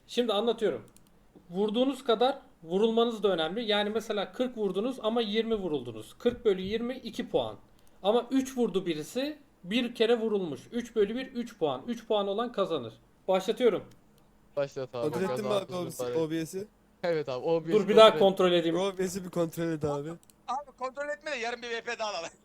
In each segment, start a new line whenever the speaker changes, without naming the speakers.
Şimdi anlatıyorum. Vurduğunuz kadar vurulmanız da önemli. Yani mesela 40 vurdunuz ama 20 vuruldunuz. 40 bölü 20 2 puan. Ama 3 vurdu birisi, bir kere vurulmuş. 3 bölü 1 3 puan. 3 puan olan kazanır. Başlatıyorum.
Başlat abi.
Kontrol ettin mi abi
Kazandığımız para.
OBS'i?
Evet abi OBS
Dur bir daha
kontrol et.
kontrol edeyim.
OBS'i bir kontrol et abi.
Abi kontrol etme de yarın bir VP daha alalım.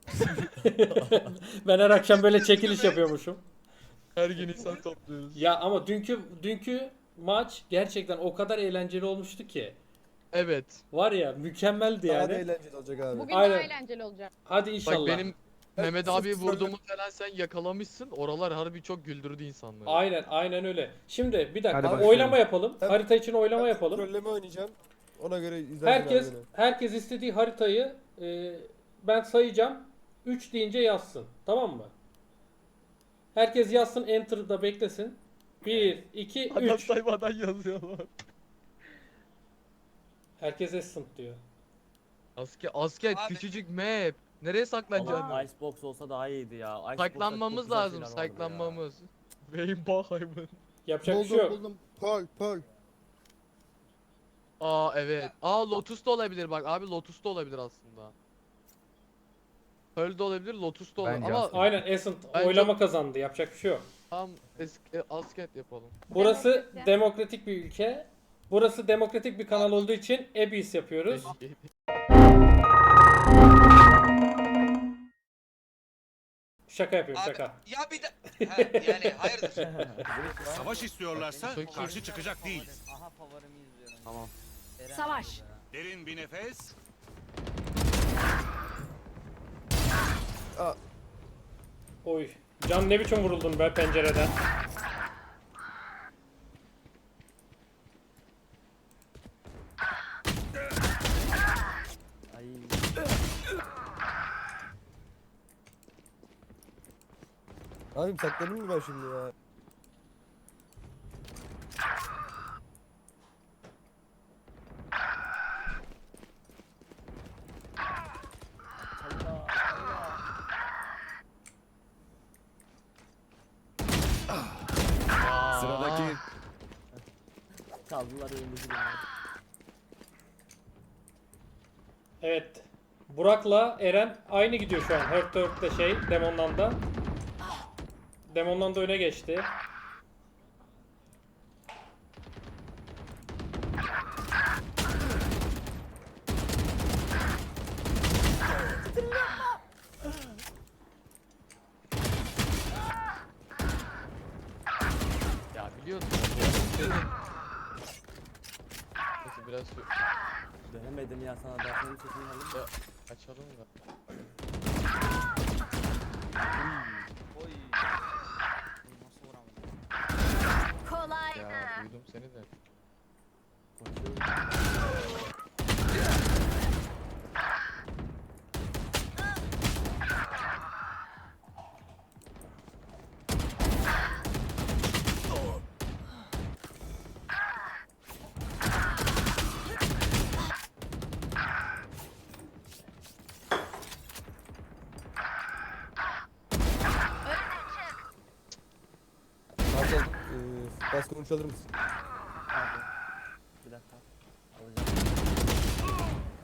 Ben her akşam böyle çekiliş yapıyormuşum.
Her gün insan topluyoruz.
Ya ama dünkü maç gerçekten o kadar eğlenceli olmuştu ki.
Evet.
Var ya mükemmeldi
Daha da
yani.
eğlenceli olacak abi.
Bugün
Aynen.
daha eğlenceli olacak.
Hadi inşallah.
Bak benim Mehmet
sırf
abi
troll-
vurduğumu falan sen yakalamışsın. Oralar harbi çok güldürdü insanları.
Aynen öyle. Şimdi bir dakika
Hadi
oylama
başlayalım.
yapalım.
Ben-
Harita için oylama
Ben
yapalım.
Trolleme oynayacağım. Ona göre izlersin
Herkes
abi beni.
herkes istediği haritayı ben sayacağım. 3 deyince yazsın. Tamam mı? Herkes yazsın, Enter'da beklesin. 1 2
Adam
3.
saymadan yazıyorlar.
Herkes Essent diyor.
Asker
Abi-
küçücük map. Nereye saklanacaksın?
Ama-
Icebox olsa daha iyiydi ya. Icebox'ta çok
Saklanmamız
güzel
lazım,
şeyler vardı
saklanmamız. Wayne
Yapacak bir şey yok.
Buldum. Pearl.
Aa evet. Aa Lotus da olabilir bak abi Lotus da olabilir aslında. Pearl de olabilir, Lotus da olabilir
Bence
ama
aslında.
Ayın Essent
Bence-
oylama kazandı. Yapacak bir şey yok.
tam eski asket yapalım.
Burası
Demokrasi.
demokratik bir ülke. Burası demokratik bir kanal olduğu için Abyss yapıyoruz. Şaka yapıyorum
Abi,
şaka.
ya bir de... He, yani hayırdır?
Savaş istiyorlarsa
Çok iyi.
karşı çıkacak değil.
Aha favorimi izliyorum.
Tamam.
Savaş.
Derin bir nefes.
Oy. Can ne biçim vuruldun be pencereden.
Ay.
Abim sakladın mı ben şimdi ya?
Sıradaki
Kaldılar önümüzü gibi.
Evet. Burak'la Eren aynı gidiyor şu an. Hurt Hurt'te Demon'dan da. Demon'dan da öne geçti.
Ya biliyorsun. Neyse biraz
Dönemedim ya sana da senin sesini alayım da.
açalım da.
Oy. Nasıl vuramadım?
Ya duydum seni de.
Koşuyorum.
Hakan bas konuş alır mısın?
Abi. Bir dakika. Alacağım.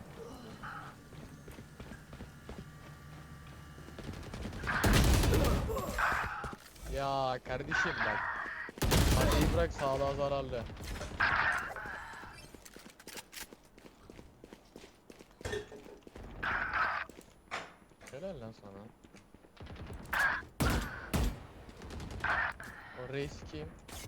Ya kardeşim bak. Hadi bırak sağlığa zararlı. Helal lan sana. O reis kim?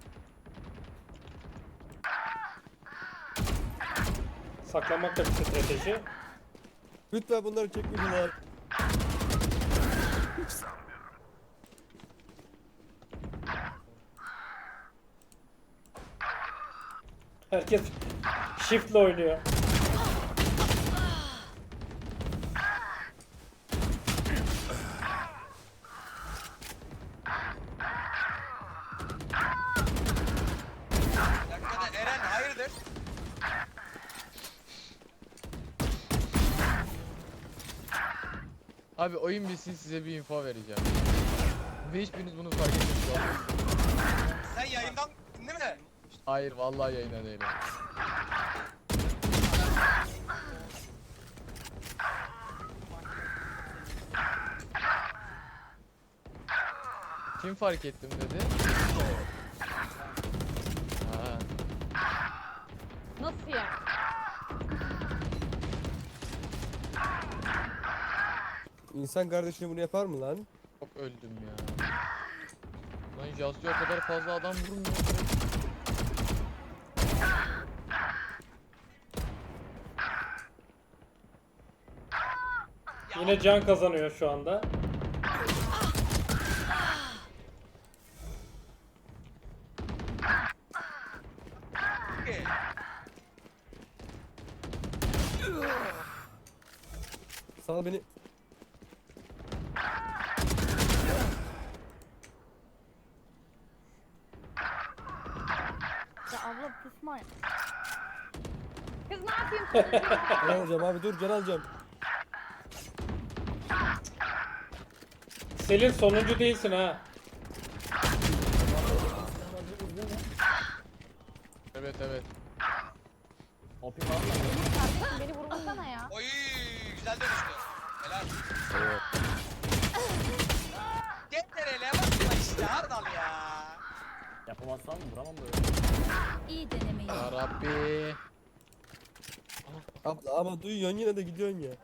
Saklanmak da bir strateji.
Lütfen bunları çekmeyin abi.
Herkes shift'le oynuyor.
Dakikada Eren hayırdır?
Abi oyun bitsin size bir info vereceğim. Ve hiçbiriniz bunu fark etmiyorsunuz.
Sen yayından değil mi?
Hayır vallahi yayına değilim. Kim fark ettim dedi? Ha.
Nasıl ya?
İnsan kardeşine bunu yapar mı lan?
Çok öldüm ya. Lan Jazzy o kadar fazla adam vurmuyor.
Yine can kazanıyor şu anda.
Ki.
Sal beni.
Ya abla kısma. Kız ne yapayım sonuncu?
Can alacağım abi, dur can alacağım.
Selin sonuncu değilsin ha.
Evet evet.
Hopi var mı?
Kardeşim beni vurmasana ya.
Oy güzel dönüştü. Helal. Yeter hele bakma işte Hardal ya.
Yapamazsam vuramam böyle.
İyi denemeyi.
Ya Rabbi.
Abla ama duyuyorsun yine de gidiyorsun ya.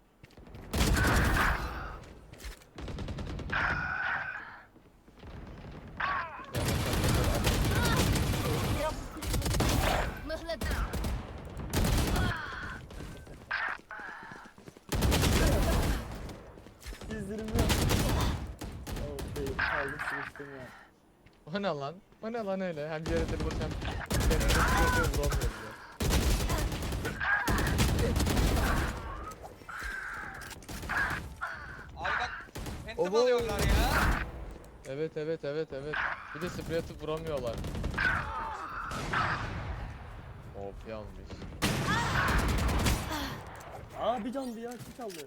Mıhladı.
İzlerim yok. Okey, aldım sıkıştım ya.
O ne lan? O ne lan öyle? Hem yere tırılıp hem kendine vuramıyor ya.
Abi bak phantom
Obo.
alıyorlar ya.
Evet evet evet evet. Bir de sprey atıp vuramıyorlar. Of yanlış.
Aa bir candı ya, kim çaldı?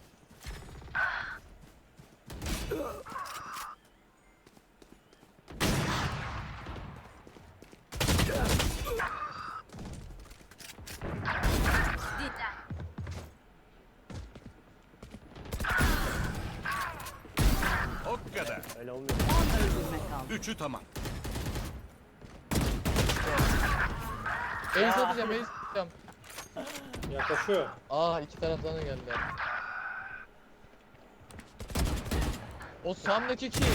O kadar.
Öyle olmuyor.
Üçü tamam.
Ace atacağım ace atacağım.
Yaklaşıyor.
Aa iki taraftan da geldiler. O Sam'daki kim?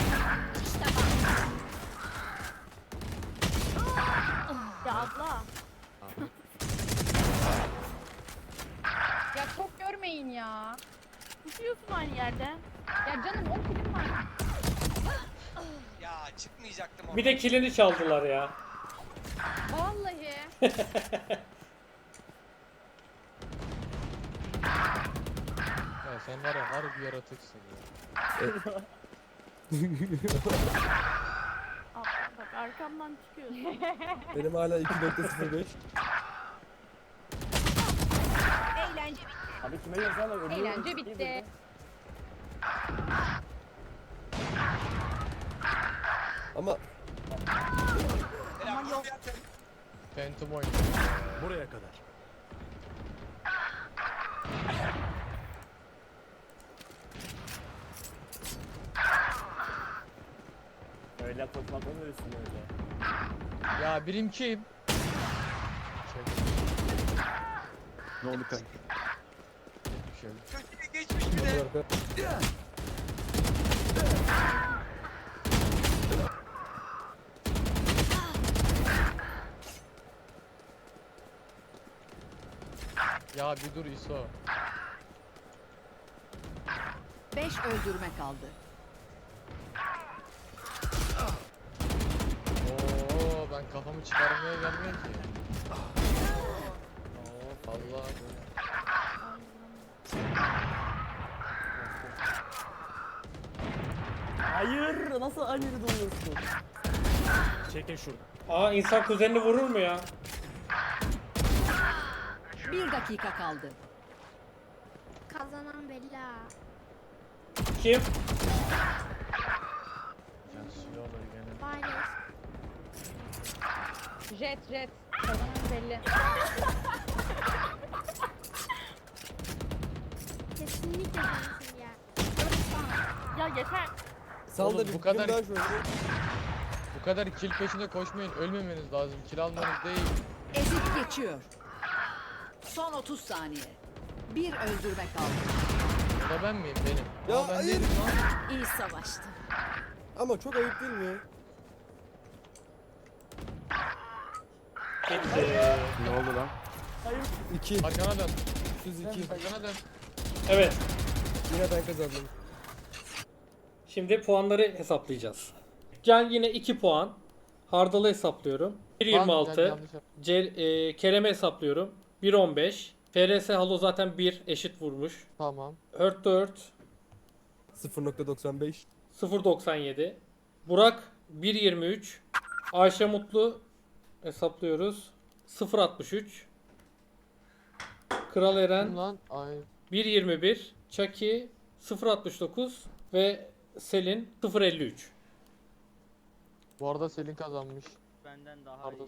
Ya abla. Ya çok görmeyin ya. Tutuyorsun aynı yerde. Ya canım o kilim var.
Ya çıkmayacaktım onu.
Bir de kilini çaldılar ya.
Vallahi.
Ya sen var ya harbi yaratıksın ya.
Abla bak arkamdan çıkıyorsun.
Benim hala 2.05.
Eğlence bitti.
Abi kime yazarlar? Ölüyorum.
Eğlence
İyi
bitti.
dedi.
Ama
Helal. Aman yok.
Phantom oynuyor.
Buraya kadar.
Öyle koşmak olmuyorsun öyle.
Ya birim kim?
Ne oldu kanka?
Şey.
Köşeye geçmiş bir de.
arka.
Ya bir dur ISO.
5 öldürme kaldı.
Oo ben kafamı çıkarmaya gelmiyor ki. Oo Allah.
Hayır, nasıl aynı yerde oluyorsun?
Çekin şuradan.
Aa insan kuzenini vurur mu ya?
1 dakika kaldı.
Kazanan Bella.
Kim?
Can suyu alır gene.
Paylaş. Jet. Kazanan belli.
Kesinlikle sensin ya.
Ya yeter.
Sal
Oğlum,
da bir
bu kadar-
daha şöyle.
Bu kadar kill peşinde koşmayın. Ölmemeniz lazım. Kill almanız değil.
Ezip geçiyor. Son 30 saniye. Bir öldürme kaldı.
O da ben miyim? Benim.
Ya
Aa, ben
hayır.
değilim lan.
İyi savaştın.
Ama çok ayıp değil mi?
Ne oldu lan?
2.
Arkana dön.
102.
Arkana dön.
Evet.
Yine ben kazandım.
Şimdi puanları hesaplayacağız. Can yine 2 puan. Hardal'ı hesaplıyorum. 1.26.
Yanlış yaptım.
Kerem'i hesaplıyorum. 1.15. FRS Halo zaten 1 eşit vurmuş.
Tamam.
Hurt 4
0.95.
0.97. Burak 1.23. Ayşe Mutlu hesaplıyoruz. 0.63. Kral
Kim
Eren
lan? Ay.
1.21. Chucky 0.69 ve Selin 0.53.
Bu arada Selin kazanmış.
Benden daha
Pardon.
iyi.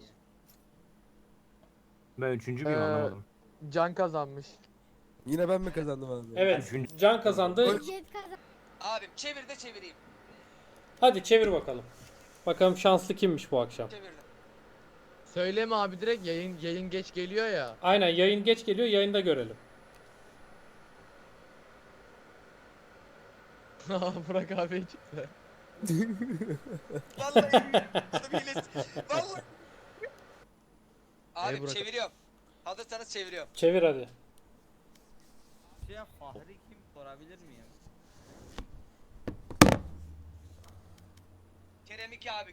Ben üçüncü müyüm anlamadım.
Can kazanmış.
Yine ben mi kazandım abi?
Evet, Can kazandı.
Jet kazan.
Abim çevir de çevireyim.
Hadi çevir bakalım. Bakalım şanslı kimmiş bu akşam.
Çevirdim.
Söyleme abi direkt yayın geç geliyor ya.
Aynen, yayın geç geliyor, yayında görelim.
Burak abi çıktı.
Vallahi adam hilesi. Vallahi. Abim
Burak?
çeviriyorum. Hazırsanız çeviriyorum.
Çevir hadi.
Ya Fahri kim sorabilir miyim?
Kerem 2 abi.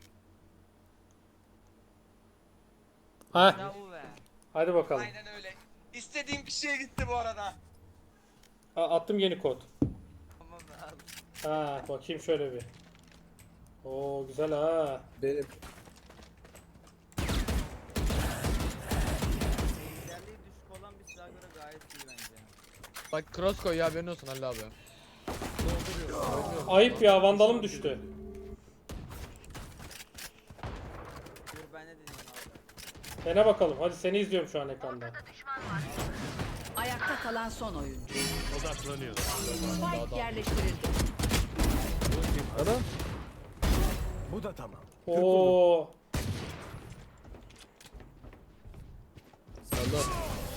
Ha,
Ya bu be.
hadi bakalım.
Aynen öyle. İstediğim kişiye gitti bu arada.
Attım yeni kod.
Tamam abi.
Ha, bakayım şöyle bir. Oo, güzel ha.
Benim.
Liderliği düşük olan bir silah göre gayet iyi bence.
Bak cross koy ya haberin olsun Halil abi.
Ayıp ya, vandalım düştü.
Dur ben ne deneyeyim abi.
Dene bakalım. Hadi seni izliyorum şu an ekranda.
Ayakta kalan son oyuncu.
Odaklanıyor.
Spike yerleştirildi.
Ana.
Bu da tamam.
Oo.
Salla.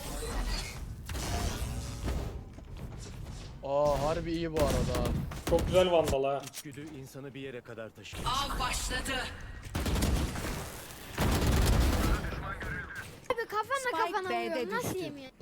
Aa harbi iyi bu arada.
Çok güzel vandal ha.
İçgüdü insanı bir yere kadar taşır.
Av başladı.
Abi kafanla
Spike
kafana
B'de
vuruyor. Nasıl
düştü.
yemiyor?